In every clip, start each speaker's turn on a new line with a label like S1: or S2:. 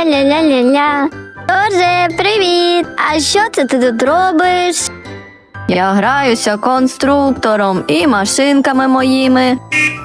S1: Ля-ля-ля-ля-ля. Джордже, привіт! А що це ти тут робиш?
S2: Я граюся конструктором і машинками моїми.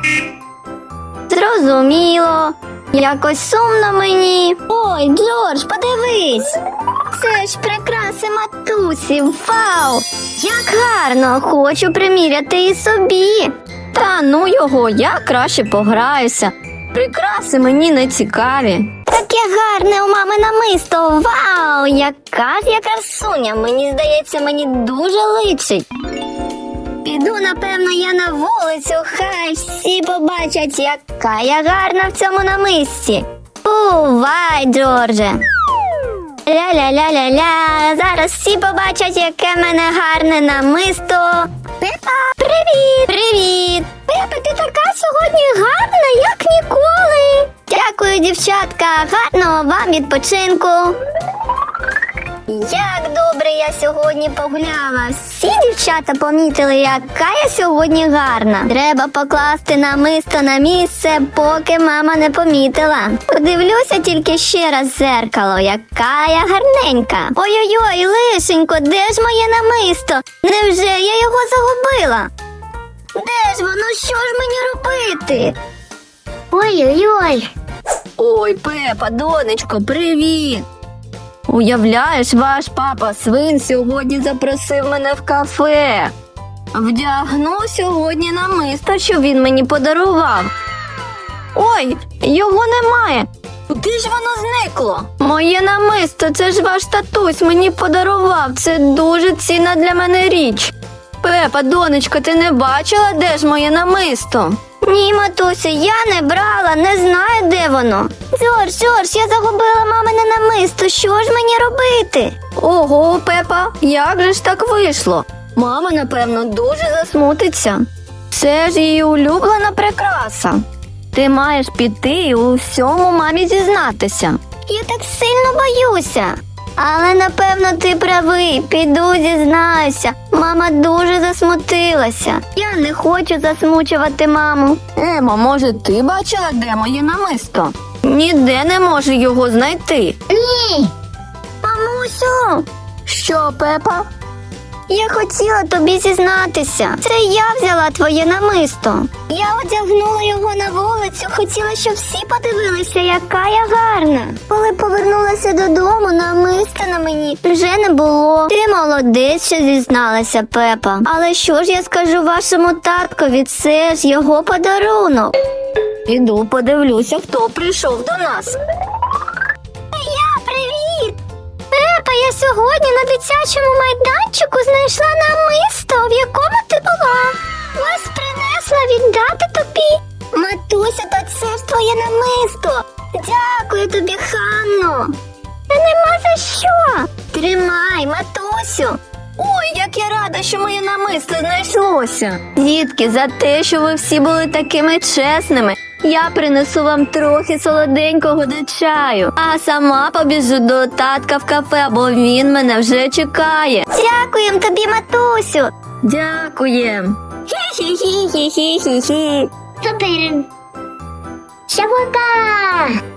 S1: Зрозуміло. Якось сумно мені. Ой, Джордж, подивись. Це ж прикраси матусі. Вау! Як гарно! Хочу приміряти і собі.
S2: Та ну його, я краще пограюся. Прикраси мені не цікаві.
S1: Таке гарне у мами намисто. Вау! Яка ж я красуня. Мені здається, мені дуже личить. Піду, напевно, я на вулицю, хай всі побачать, яка я гарна в цьому намисті. Бувай, Джордже. Ля-ля-ля-ля-ля. Зараз всі побачать, яке в мене гарне намисто. Пепа, привіт! Привіт! Пепа, ти така сьогодні гарна, як ніколи. Дякую, дівчатка. Гарного вам відпочинку. Як добре я сьогодні погуляла. Всі дівчата помітили, яка я сьогодні гарна. Треба покласти намисто на місце, поки мама не помітила. Подивлюся тільки ще раз в зеркало, яка я гарненька. Ой-ой-ой, лишенько, де ж моє намисто? Невже я його загубила? Де ж воно? Що ж мені робити? Ой-ой-ой.
S2: Ой, Пепа, донечко, привіт! Уявляєш, ваш папа свин сьогодні запросив мене в кафе. Вдягну сьогодні намисто, що він мені подарував. Ой, його немає. Куди ж воно зникло? Моє намисто, це ж ваш татусь мені подарував. Це дуже цінна для мене річ. Пепа, донечко, ти не бачила, де ж моє намисто?
S1: Ні, матусю, я не брала, не знаю, де воно. Джордж, я загубила мамине намисто, що ж мені робити?
S2: Ого, Пепа, як же ж так вийшло? Мама, напевно, дуже засмутиться. Це ж її улюблена прикраса. Ти маєш піти і у всьому мамі зізнатися.
S1: Я так сильно боюся. Але, напевно, ти правий, піду зізнаюся. Мама дуже засмутилася. Я не хочу засмучувати маму.
S2: Емо, може, ти бачила, де моє намисто? Ніде не можу його знайти.
S1: Ні. Мамусю,
S2: Що, Пепа?
S1: я хотіла тобі зізнатися. Це я взяла твоє намисто. Я одягнула його на вулицю, хотіла, щоб всі подивилися, яка я гарна. Коли повернулася додому, намиста на мені вже не було. Ти молодець, що зізналася, Пепа. Але що ж я скажу вашому таткові? Це ж його подарунок.
S2: Піду подивлюся, хто прийшов до нас.
S1: Привіт! Пепа, я сьогодні на дитячому майданчику знайшла намисто, в якому ти була. Ось принесла віддати тобі. Матуся, то це ж твоє намисто. Дякую тобі, Ханно. Та нема за що. Тримай, матусю.
S2: Ой, як я рада, що моє намисто знайшлося. Дітки, за те, що ви всі були такими чесними, я принесу вам трохи солоденького до чаю, а сама побіжу до татка в кафе, бо він мене вже чекає.
S1: Дякуємо тобі, матусю.
S2: Дякуєм.
S1: Хі-хі-хі-хі-хі-хі. Супер. Шавука.